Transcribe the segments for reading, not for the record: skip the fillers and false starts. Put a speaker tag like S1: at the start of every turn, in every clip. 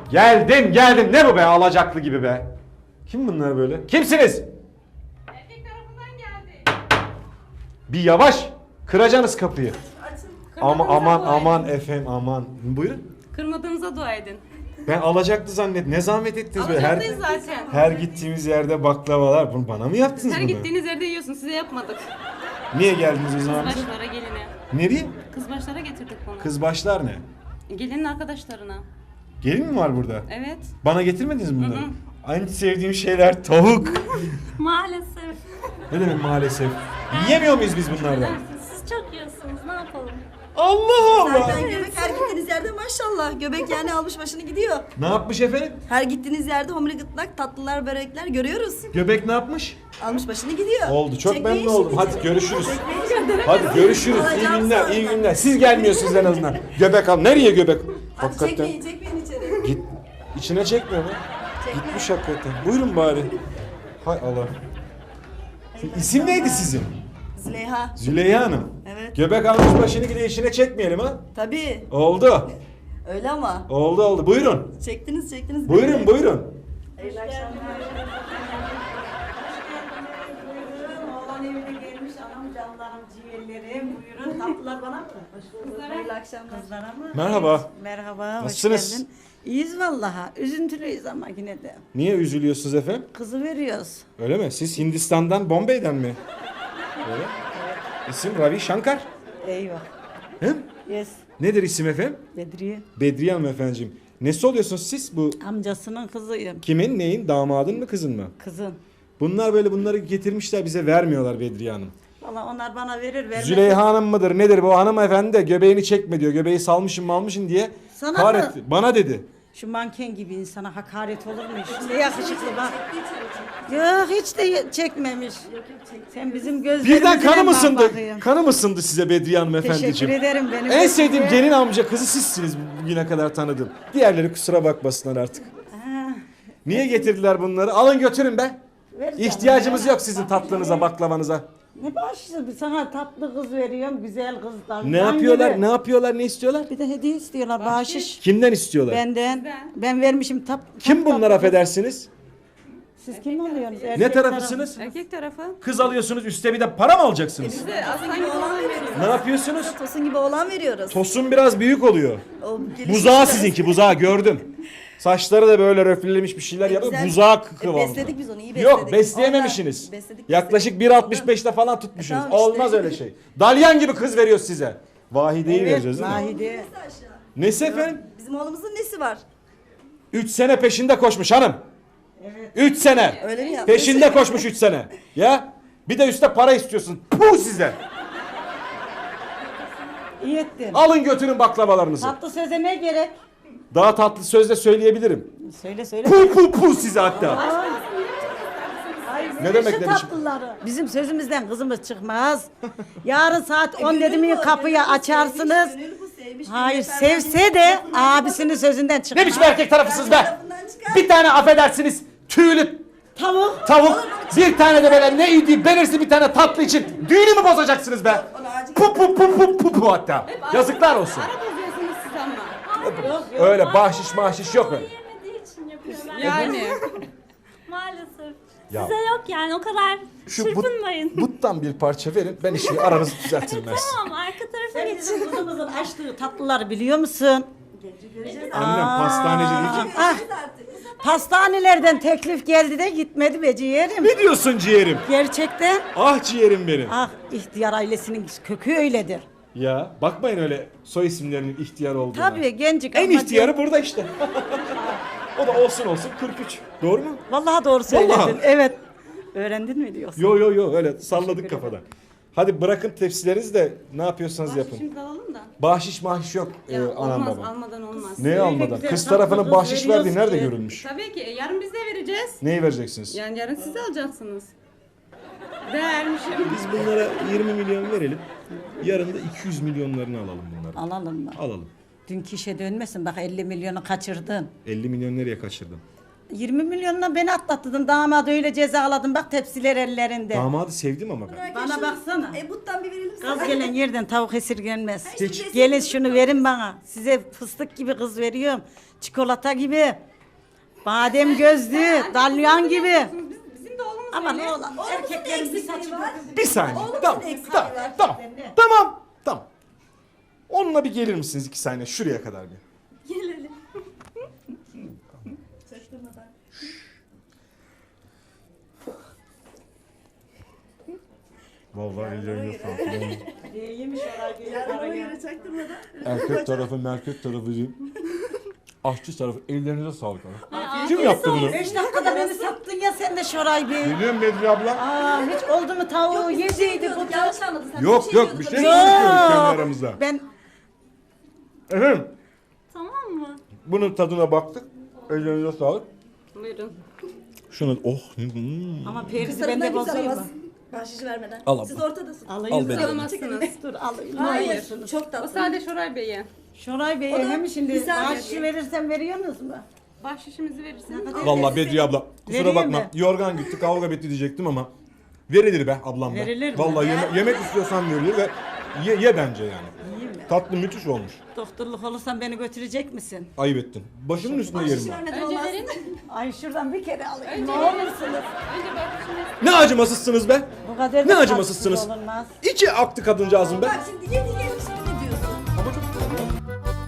S1: Geldim. Ne bu be alacaklı gibi be. Kim bunlar böyle? Kimsiniz?
S2: Erkek tarafından geldi.
S1: Bir yavaş. Kıracaksınız kapıyı.
S2: Kırmadığınıza dua
S1: Aman
S2: edin.
S1: efendim aman. Buyurun.
S2: Kırmadığınıza dua edin.
S1: Ben alacaklı zannet. Ne zahmet ettiniz böyle.
S2: Alacaklıyız zaten.
S1: Her gittiğimiz yerde baklavalar. Bunu bana mı yaptınız
S2: Her
S1: bunu?
S2: gittiğiniz yerde yiyorsun. Size yapmadık.
S1: Niye geldiniz o zaman?
S2: Kızbaşlara geline.
S1: Nereye?
S2: Kızbaşlara getirdik bunu.
S1: Kızbaşlar ne?
S2: Gelinin arkadaşlarına.
S1: Gelin mi var burada?
S2: Evet.
S1: Bana getirmediniz mi bunları? En sevdiğim şeyler tavuk.
S3: Maalesef.
S1: Ne demek maalesef? Yiyemiyor muyuz biz bunlardan?
S3: Siz çok yiyorsunuz. Ne yapalım?
S1: Allah Allah.
S4: Zaten göbek her gittiğiniz yerde maşallah. Göbek yani almış başını gidiyor.
S1: Ne yapmış efendim?
S4: Her gittiğiniz yerde homili gıtlak, tatlılar, börekler görüyoruz.
S1: Göbek ne yapmış?
S4: Almış başını gidiyor.
S1: Oldu. Çok
S4: Çekmeyin
S1: memnun oldum.
S4: şimdi.
S1: Hadi görüşürüz.
S4: Çekmeyin.
S1: Hadi görüşürüz. İyi
S4: Alacağım
S1: günler,
S4: sonra.
S1: iyi günler. Siz gelmiyorsunuz en azından. Göbek al. Nereye göbek?
S4: Hadi çekmeyin içeri.
S1: Git. İçine çekmiyor mu? Gitmiş hakikaten. Buyurun bari. Hay Allah. İsim neydi sizin?
S4: Züleyha.
S1: Züleyha Hanım.
S4: Evet.
S1: Göbek almış başını gide işine çekmeyelim ha.
S4: Tabii.
S1: Oldu.
S4: Öyle ama.
S1: Oldu. Buyurun.
S4: Çektiniz.
S1: Buyurun.
S4: Hayırlı akşamlar.
S5: Oğlan evine gelmiş anam canlarım ciğerlerim buyurun tatlılar bana mı? Hoş bulduk.
S4: Hayırlı akşamlar.
S5: Kızlara mı?
S1: Merhaba.
S5: Merhaba hoş
S1: Nasılsınız?
S5: geldin. İyiyiz vallahi üzüntülüyüz ama yine de.
S1: Niye üzülüyorsunuz efendim?
S5: Kızı veriyoruz.
S1: Öyle mi? Siz Hindistan'dan, Bombay'den mi? Öyle. İsim Ravi Shankar.
S5: Eyvah.
S1: He?
S5: Yes.
S1: Nedir isim efendim?
S5: Bedriye.
S1: Bedriye Hanım efendiciğim. Nesi oluyorsunuz siz? Bu
S5: Amcasının kızıyım.
S1: kimin, neyin? Damadın mı, kızın mı?
S5: Kızın.
S1: Bunlar böyle bunları getirmişler bize vermiyorlar Bedriye Hanım.
S5: Vallahi onlar bana verir vermez.
S1: Züleyha Hanım mıdır nedir bu hanımefendi de göbeğini çekme diyor. Göbeği salmışım malmışım diye
S5: Sana
S1: kahretti.
S5: mı?
S1: Bana dedi.
S5: Şu manken gibi insana hakaret olur mu? Ne yakışıklı bak. Yok hiç de çekmemiş. Sen bizim gözlerimizle
S1: Birden kanım
S5: bak
S1: ısındı.
S5: bakayım.
S1: Kanım ısındı size Bedriye Hanım efendiciğim.
S5: Teşekkür ederim benim.
S1: En sevdiğim
S5: Bedriye.
S1: gelin amca kızı sizsiniz bugüne kadar tanıdım. Diğerleri kusura bakmasınlar artık.
S5: Ha,
S1: Niye getirdiler bunları? Alın götürün be.
S5: vereceğim.
S1: İhtiyacımız yok sizin tatlınıza, baklavanıza.
S5: Ne başlıyor? Sana tatlı kız veriyorum, güzel kızlar.
S1: Ne yapıyorlar? Ne yapıyorlar? Ne istiyorlar?
S5: Bir de hediye istiyorlar, bahşiş.
S1: Kimden istiyorlar?
S5: Benden. Ben vermişim
S1: Kim bunlar affedersiniz?
S5: Siz kim oluyorsunuz?
S1: Ne
S5: Erkek
S1: tarafısınız?
S2: Erkek tarafı.
S1: Kız alıyorsunuz üstte bir de para mı alacaksınız?
S2: Size aslan gibi olan veriyoruz.
S1: Ne yapıyorsunuz?
S4: Tosun gibi oğlan veriyoruz.
S1: Tosun biraz büyük oluyor.
S4: O gelişmiş
S1: Buzağı
S4: biraz.
S1: sizinki, buzağı gördüm. Saçları da böyle röflelemiş bir şeyler yapıyor.
S4: Güzel.
S1: Buzağı kıvamında.
S4: Besledik biz onu iyi besledik.
S1: Yok besleyememişsiniz.
S4: Onlar besledik.
S1: Yaklaşık 1.65'te falan tutmuşsunuz.
S4: Tamam işte.
S1: Olmaz öyle şey. Dalyan gibi kız veriyoruz size. Vahide'yi
S5: Evet,
S1: vereceğiz değil mi?
S5: Vahide.
S1: Nesi efendim?
S4: Bizim oğlumuzun nesi var?
S1: 3 sene peşinde koşmuş hanım. 3 sene.
S4: Öyle mi yapmış?
S1: Peşinde koşmuş 3 sene. Ya bir de üstte para istiyorsun. Puh size.
S5: İyi ettin.
S1: Alın götürün baklavalarınızı.
S5: Tatlı söze ne gerek?
S1: Daha tatlı sözle söyleyebilirim.
S5: Söyle.
S1: Puh size hatta. Ne demek
S5: Şu
S1: ne biçim?
S5: tatlıları. Bizim sözümüzden kızımız çıkmaz. Yarın saat 10 dedi mi kapıyı açarsınız.
S4: Gönül bu, sevmiş,
S5: Hayır
S4: gönül
S5: sevse de abisinin sözünden
S1: Ne
S5: çıkmaz.
S1: biçim erkek tarafısınız be?
S4: tarafından çıkar.
S1: Bir tane affedersiniz tüylü
S5: Tavuk.
S1: tavuk, bir tane de böyle ne yediği belirsiz bir tane tatlı için düğünü mü bozacaksınız be? Pu hatta. Yazıklar olsun.
S2: Ara bozuyorsunuz siz ama.
S1: Öyle bahşiş mahşiş yok öyle.
S3: Yemediği için yapıyorlar.
S2: Yani.
S3: Maalesef.
S1: Ya.
S3: Size yok yani o kadar çırpınmayın.
S1: Buttan bir parça verin ben işi aranızı düzeltirim ben size.
S3: Tamam arka tarafa
S5: Sen
S3: geçin.
S5: bizim kızımızın açtığı tatlıları biliyor musun?
S1: Annem pastaneci değil ki.
S5: Ah, pastanelerden teklif geldi de gitmedi be ciğerim.
S1: Ne diyorsun ciğerim?
S5: Gerçekten.
S1: Ah ciğerim benim.
S5: Ah ihtiyar ailesinin kökü öyledir.
S1: Ya bakmayın öyle soy isimlerinin ihtiyar olduğuna.
S5: Tabii gencik.
S1: En
S5: ama
S1: ihtiyarı burada işte. O da olsun 43. Doğru mu?
S5: Vallahi doğru söyledin.
S1: Vallahi.
S5: Evet. Öğrendin mi diyorsun?
S1: Yo öyle salladık kafadan. Hadi bırakın tepsilerinizi de ne yapıyorsanız yapın.
S2: Şimdi alalım da.
S1: Bahşiş mahşiş yok
S2: Ya,
S1: anam
S2: olmaz,
S1: babam.
S2: almadan olmaz.
S1: Ne almadan?
S5: güzel
S1: Kız
S5: tatlı
S1: tarafının
S5: kız
S1: bahşiş verdiği
S5: veriyorsun
S1: nerede
S5: ki.
S1: görülmüş?
S2: Tabii ki yarın biz de vereceğiz.
S1: Neyi vereceksiniz?
S2: Yani yarın siz de alacaksınız. Değermişim.
S1: Biz bunlara 20 milyon verelim. Yarın da 200 milyonlarını alalım bunları.
S5: Alalım mı?
S1: Alalım.
S5: Dünkü işe dönmesin bak 50 milyonu kaçırdın.
S1: 50 milyon nereye kaçırdım?
S5: 20 milyonla beni atlattın. Damadı öyle cezaladın. Bak tepsiler ellerinde.
S1: Damadı sevdim ama ben.
S5: Bana baksana.
S4: Buttan bir verelim sana.
S5: Kız gelen yerden tavuk esirgenmez.
S1: Hiç.
S5: Gelin şunu verin bana. Size fıstık gibi kız veriyorum. Çikolata gibi. Badem gözlü, dalyan gibi.
S2: Bizim de oğlumuz
S5: Ama
S2: öyle.
S5: ne olan erkeklerin bir saçı
S4: var.
S1: Bir saniye.
S4: Oğlum
S1: Tamam.
S4: senin eksiği
S1: Tamam.
S4: var.
S1: Tamam. Tamam. Tamam. Onunla bir gelir misiniz 2 saniye şuraya kadar bir?
S4: Gelelim. Çaktırmadan.
S1: Vallahi ellerine sağlık.
S5: yemiş
S4: Ona göre çaktırmadan.
S1: Erkek tarafı, merkek tarafı diyeyim. Aşçı tarafı ellerinize sağlık abi. Kim yaptı bunu?
S5: 5 dakikada beni sattın ya sen de Şoray Bey.
S1: Geliyorum Bedri abla.
S5: Aa, hiç oldu mu tavuğu yediydi bu
S4: Yanlış anladın sen.
S1: Yok yok bir şey
S4: diyordun.
S1: konuşuyoruz kendi aramızda.
S5: Ben
S1: Efendim
S3: Tamam mı?
S1: bunun tadına baktık. Ellerinize sağlık.
S2: Buyurun.
S1: Şunu oh.
S5: ama perisi
S4: Kısırından
S5: ben de
S4: kimse
S5: bozayım
S4: alamaz.
S5: mı?
S4: Bahşişi vermeden.
S1: Al abla.
S4: Siz ortadasın.
S5: Alayım.
S1: Al beni.
S2: Alamazsınız.
S5: Dur alayım.
S4: Hayır. Çok
S2: O
S4: tatlı.
S2: sadece Şoray Bey'e.
S5: Şoray Bey
S4: O da
S5: hem şimdi
S4: güzel
S5: maaşı
S4: bir-
S5: verirsen veriyorsunuz mu?
S2: Bahşişimizi verirsiniz.
S1: Vallahi Bedri abla kusura
S5: Vereyim
S1: bakma.
S5: mi?
S1: Yorgan gitti kavga bitti diyecektim ama verilir be ablam be.
S5: Verilir mi?
S1: Vallahi yemek istiyorsan verilir ve ye bence yani. Tatlı müthiş olmuş.
S5: Doktorluk olursan beni götürecek misin?
S1: Ayıp ettin. Başımın üstünde yerim
S4: Bahşişi
S1: ben.
S4: vermeden
S2: Önce
S4: olmaz.
S2: verin.
S5: Ay şuradan bir kere alayım.
S2: Önce
S5: Ne
S2: verin.
S5: olursunuz?
S2: Önce bahşişimizi.
S1: Ne acımasızsınız be.
S5: Bu kadar
S1: Ne
S5: da
S1: acımasızsınız.
S5: tatsız olunmaz.
S1: İki aktı kadıncağızım be.
S4: Bak şimdi yedi şimdi ne diyorsun?
S1: Ama çok güzel ya.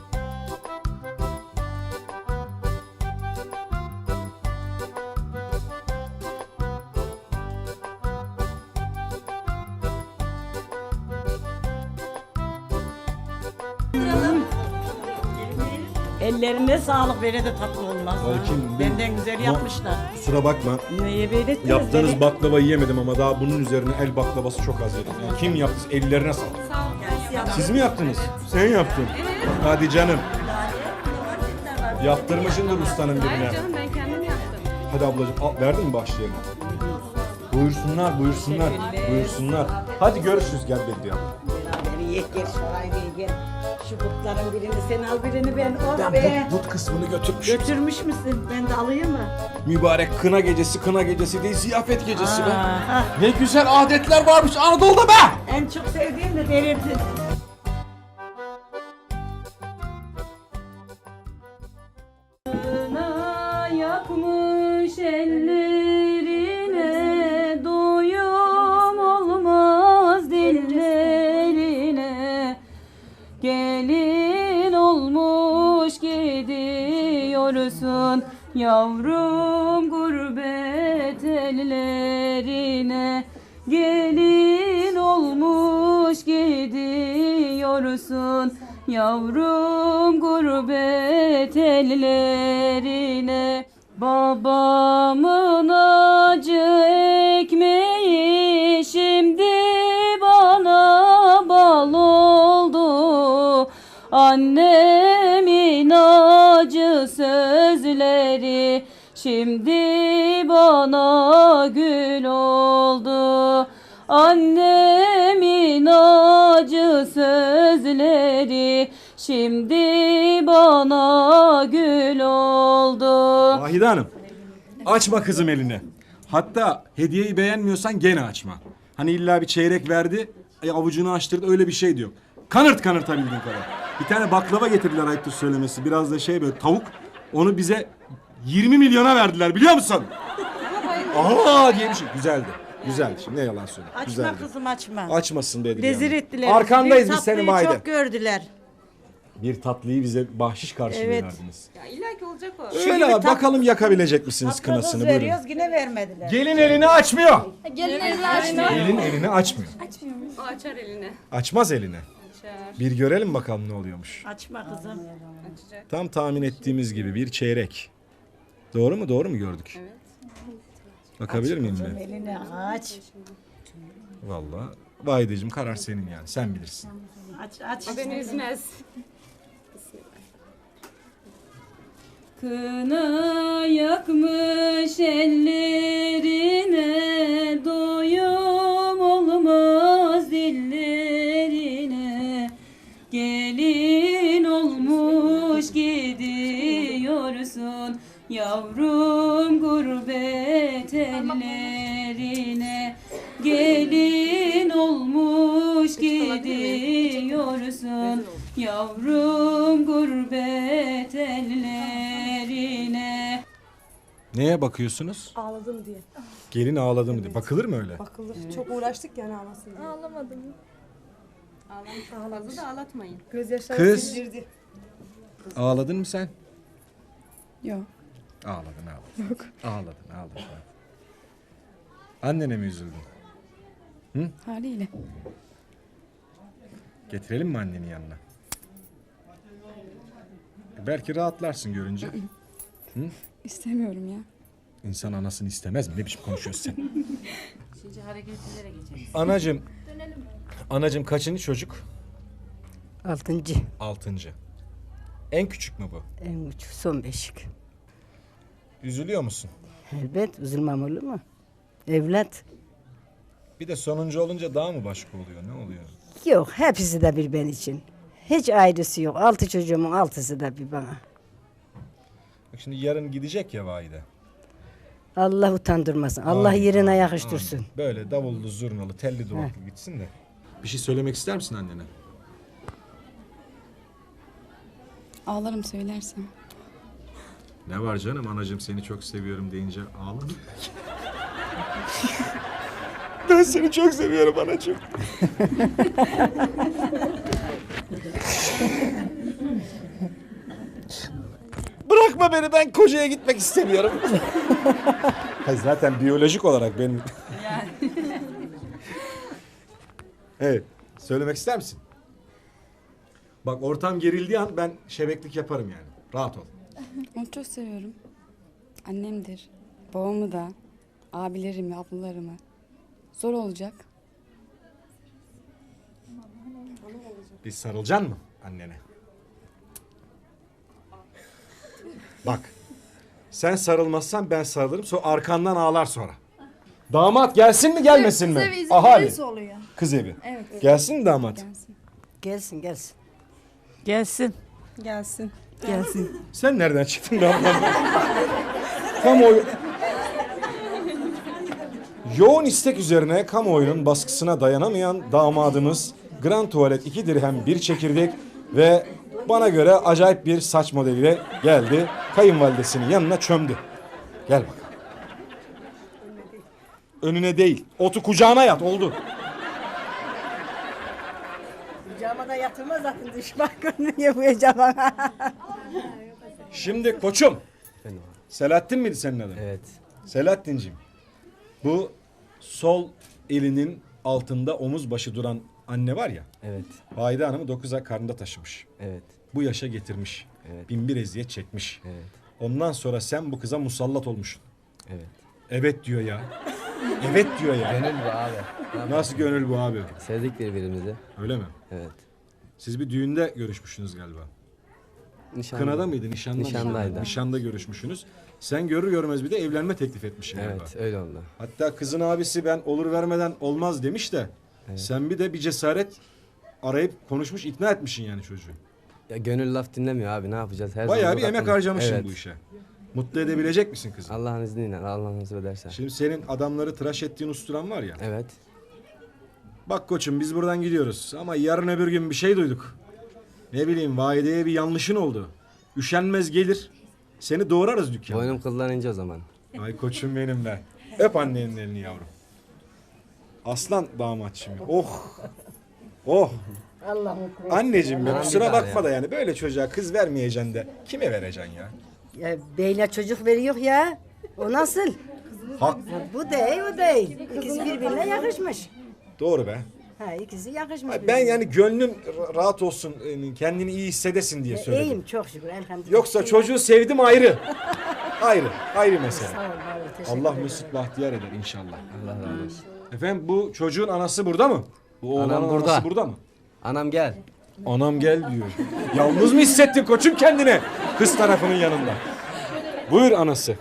S5: Ellerine sağlık böyle de tatlı olmaz. ha.
S1: Belki
S5: Benden güzel yapmışlar.
S1: Kusura bakma.
S5: Neye böyle ettiniz
S1: Yaptığınız
S5: beni?
S1: baklava yiyemedim ama daha bunun üzerine el baklavası çok az yedim. Yani kim yaptı? Ellerine sağlık.
S2: Sağ olun.
S1: Siz mi yaptınız? Sen yaptın. Hadi canım. Yaptırmışındır ustanın
S2: Hayır
S1: birine.
S2: canım ben kendim yaptım.
S1: Hadi ablacığım al, verdin mi başlayalım? Buyursunlar, buyursunlar, buyursunlar. Hadi görüşürüz gel Bedri abla.
S5: Beraber yiyek gel Şoray Bey gel. Şu butların birini sen al birini ben. Oh
S1: Ben
S5: be.
S1: but kısmını götürmüş.
S5: Götürmüş müsün? Ben de alayım mı?
S1: Mübarek kına gecesi değil ziyafet gecesi be.
S5: Aa,
S1: Ne güzel adetler varmış Anadolu'da be.
S5: en çok sevdiğim de delirdi.
S2: Yakmış ellerine, doyum olmaz dillerine. Gelin olmuş gidiyorsun yavrum gurbet ellerine. Gelin olmuş gidiyorsun yavrum gurbet ellerine. Babamın acı ekmeği şimdi bana bal oldu. Annemin acı sözleri şimdi bana gül oldu. Annemin acı sözleri şimdi bana gül oldu.
S1: Vahide Hanım, açma kızım elini. Hatta hediyeyi beğenmiyorsan gene açma. Hani illa bir çeyrek verdi, avucunu açtırdı öyle bir şey diyor. Kanırtabildiğin kadar. Bir tane baklava getirdiler ayıptır söylemesi. Biraz da şey böyle tavuk. Onu bize 20 milyona verdiler biliyor musun? Aha diye bir şey. Güzeldi. Güzeldi. Şimdi ne yalan söyleyeyim.
S5: Açma
S1: Güzeldi.
S5: kızım açma.
S1: Açmasın Bedriye
S5: Rezil
S1: Hanım.
S5: ettiler.
S1: Arkandayız
S5: Bir
S1: biz senin
S5: tatlıyı
S1: Vahide.
S5: çok gördüler.
S1: Bir tatlıyı bize bahşiş karşılığı
S5: Evet.
S1: verdiniz.
S2: Ya illa ki olacak o.
S1: Şöyle abi bakalım yakabilecek misiniz
S5: Tatlı kız
S1: kınasını buyurun.
S5: veriyoruz yine vermediler.
S1: Gelin elini açmıyor.
S3: Gelin elini açmıyor.
S1: Gelin elini açmıyor.
S2: O açar elini.
S1: Açmaz elini.
S2: Açar.
S1: Bir görelim bakalım ne oluyormuş.
S5: Açma kızım.
S2: Açacak.
S1: Tam tahmin ettiğimiz gibi bir çeyrek. Doğru mu? Doğru mu gördük?
S2: Evet.
S1: Bakabilir miyim ben?
S5: Elini aç.
S1: Vallahi Vahideciğim karar senin yani. Sen bilirsin.
S5: Aç.
S2: O beni üzmez. Kına yakmış ellerine, doyum olmaz dillerine. Gelin olmuş gidiyor gidiyorsun yavrum gurbet ellerine gelin olmuş gidiyorsun yavrum gurbet ellerine.
S1: Neye bakıyorsunuz?
S6: Ağladım diye.
S1: Gelin ağladı mı diye. Bakılır mı öyle?
S6: Bakılır. Çok uğraştık yani ağlasın diye.
S3: Ağlamadım.
S2: Fazla da ağlatmayın.
S6: Gözyaşları
S1: Kız.
S6: sildirdi.
S1: Ağladın mı sen?
S3: Yok.
S1: Ağladın. Ağladın. Annene mi üzüldün?
S3: Haliyle.
S1: Getirelim mi anneni yanına? Belki rahatlarsın görünce.
S3: İstemiyorum ya.
S1: İnsan anasını istemez mi? Ne biçim konuşuyorsun sen?
S2: Şimdi hareketlere geçelim.
S1: Anacım kaçıncı çocuk?
S7: 6.
S1: 6. En küçük mü bu?
S7: En küçük son beşik.
S1: Üzülüyor musun?
S7: Elbet üzülmem olur mu? Evlat.
S1: Bir de sonuncu olunca daha mı başka oluyor? Ne oluyor?
S7: Yok hepsi de bir ben için. Hiç ayrısı yok. 6 çocuğumun 6'sı da bir bana.
S1: Bak şimdi yarın gidecek ya valide.
S7: Allah utandırmasın. Allah
S1: Amin,
S7: yerine
S1: amin,
S7: yakıştırsın.
S1: amin. Böyle davullu, zurnalı, telli duvaklı gitsin de. Bir şey söylemek ister misin annene?
S3: Ağlarım söylersem.
S1: Ne var canım, anacığım seni çok seviyorum deyince ağlar. Ben seni çok seviyorum anacığım. Bırakma beni, ben kocaya gitmek istemiyorum. Hayır, zaten biyolojik olarak benim... Evet, söylemek ister misin? Bak ortam gerildiği an ben şebeklik yaparım yani. Rahat ol.
S3: Onu çok seviyorum. Annemdir. Babamı da. Abilerimi, ablalarımı. Zor olacak.
S1: Bir sarılacaksın mı annene? Bak. Sen sarılmazsan ben sarılırım. Sonra arkandan ağlar sonra. Damat gelsin mi gelmesin mi?
S3: Kız evi izin
S1: Ahali.
S3: verirse oluyor.
S1: Kız evi.
S3: Evet.
S1: Gelsin mi damat?
S3: Gelsin.
S7: Gelsin gelsin.
S5: Gelsin.
S6: Gelsin.
S5: Gelsin.
S1: Sen nereden çıktın damat? Kamuoyu... Yoğun istek üzerine kamuoyunun baskısına dayanamayan damadımız Grand Tuvalet 2 dirhem 1 çekirdek ve bana göre acayip bir saç modeliyle geldi. Kayınvalidesinin yanına çömdü. Gel bakalım. Önüne değil, otu kucağına yat, oldu.
S7: Kucağıma da yatırma zaten düşman görünüyor bu yacama.
S1: Şimdi koçum. Selahattin miydi senin adın?
S8: Evet.
S1: Selahattin'cim. Bu sol elinin altında omuz başı duran anne var ya.
S8: Evet.
S1: Valide Hanım'ı 9 ay karnında taşımış.
S8: Evet.
S1: Bu yaşa getirmiş.
S8: Evet.
S1: Binbir eziyet çekmiş.
S8: Evet.
S1: Ondan sonra sen bu kıza musallat olmuşsun.
S8: Evet.
S1: Evet diyor ya. Evet diyor ya.
S8: Gönül bu abi.
S1: Nasıl gönül bu abi?
S8: Sevdik birbirimizi.
S1: Öyle mi?
S8: Evet.
S1: Siz bir düğünde görüşmüşsünüz galiba.
S8: Nişanlı.
S1: Kınada mıydı? Nişanda mıydı?
S8: Nişandaydı.
S1: Nişanda görüşmüşsünüz. Sen görür görmez bir de evlenme teklif etmişsin galiba.
S8: Evet öyle oldu.
S1: Hatta kızın abisi ben olur vermeden olmaz demiş de sen bir de bir cesaret arayıp konuşmuş, ikna etmişsin yani çocuğu.
S8: Ya gönül laf dinlemiyor abi, ne yapacağız? Her
S1: Bayağı
S8: zaman
S1: bir emek
S8: bakalım.
S1: harcamışsın
S8: Evet.
S1: bu işe. Mutlu edebilecek misin kızı?
S8: Allah'ın izniyle, Allah nasip ederse.
S1: Şimdi senin adamları tıraş ettiğin usturan var ya.
S8: Evet.
S1: Bak koçum biz buradan gidiyoruz ama yarın öbür gün bir şey duyduk. Ne bileyim valideye bir yanlışın oldu. Üşenmez gelir. Seni doğrarız dükkana.
S8: Boynum kıllanınca o zaman.
S1: Ay koçum benim be. Öp annenin elini yavrum. Aslan damatçım ya. Oh. Oh. Anneciğim ya
S8: Anam
S1: kusura
S8: bir daha
S1: bakma da yani böyle çocuğa kız vermeyeceksin de kime vereceksin ya?
S7: Ya beyler çocuk veriyor ya. O nasıl?
S1: Hak.
S7: Bu değil o değil. İkisi birbirine yakışmış.
S1: Doğru be.
S7: Ha ikisi yakışmış.
S1: Ay, ben yani gönlün rahat olsun, kendini iyi hissedesin diye söyledim.
S7: İyiyim çok şükür elhamdülillah.
S1: Yoksa çocuğu sevdim ayrı. Ayrı mesele.
S7: Sağ ol, var ol, teşekkür
S1: Allah
S7: ederim.
S1: mesut bahtiyar eder inşallah.
S8: Allah razı olsun.
S1: Efendim bu çocuğun anası burada mı? Bu oğlanın
S8: Anam burada.
S1: anası burada mı?
S8: Anam gel.
S1: Anam gel diyor. Yalnız mı hissettin koçum kendini? Kız tarafının yanında. Buyur anası.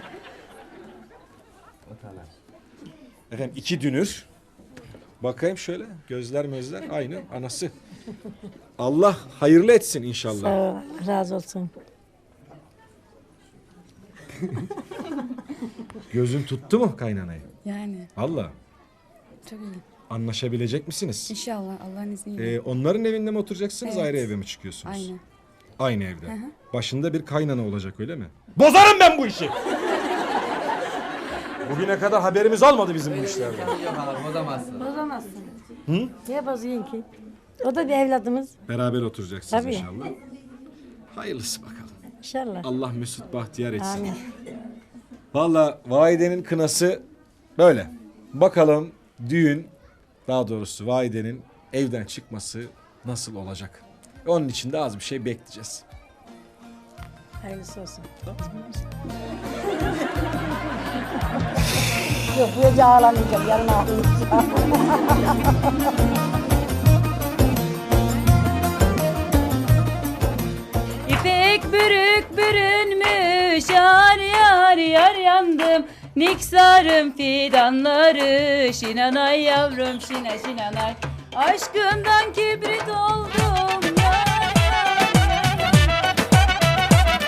S1: Efendim 2 dünür. Bakayım şöyle gözler mözler aynı anası. Allah hayırlı etsin inşallah.
S9: Razı olsun.
S1: Gözün tuttu mu kaynanayı?
S3: Yani
S1: Valla.
S3: çok iyi.
S1: Anlaşabilecek misiniz?
S3: İnşallah Allah'ın izniyle.
S1: Onların evinde mi oturacaksınız,
S3: Evet.
S1: ayrı eve mi çıkıyorsunuz?
S3: Aynı.
S1: Aynı evde. Başında bir kaynana olacak öyle mi? Bozarım ben bu işi! Bugüne kadar haberimiz olmadı bizim bu işlerden.
S8: Yok hala bozamazsın.
S7: Bozamazsın. Niye bozuyorsun ki? O da bir evladımız.
S1: Beraber oturacaksınız
S7: Tabii.
S1: inşallah. Hayırlısı bakalım.
S7: İnşallah.
S1: Allah mesut bahtiyar etsin.
S7: Amin.
S1: Valla Vahide'nin kınası böyle. Bakalım düğün, daha doğrusu Vahide'nin evden çıkması nasıl olacak? Onun için de az bir şey bekleyeceğiz.
S7: Hayırlısı olsun. Yok bu gece ağlamayacağım. Yarın ağlayacağım.
S2: İpek bürük bürünmüş yar yar yar yandım. Niksarım fidanları şinanay yavrum şina şinanay. Aşkından kibrit oldum yar yar yar.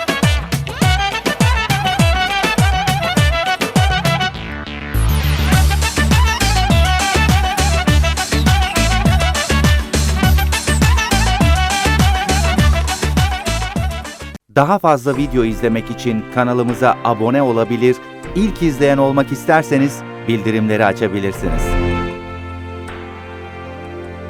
S9: Daha fazla video izlemek için kanalımıza abone olabilir, ilk izleyen olmak isterseniz bildirimleri açabilirsiniz.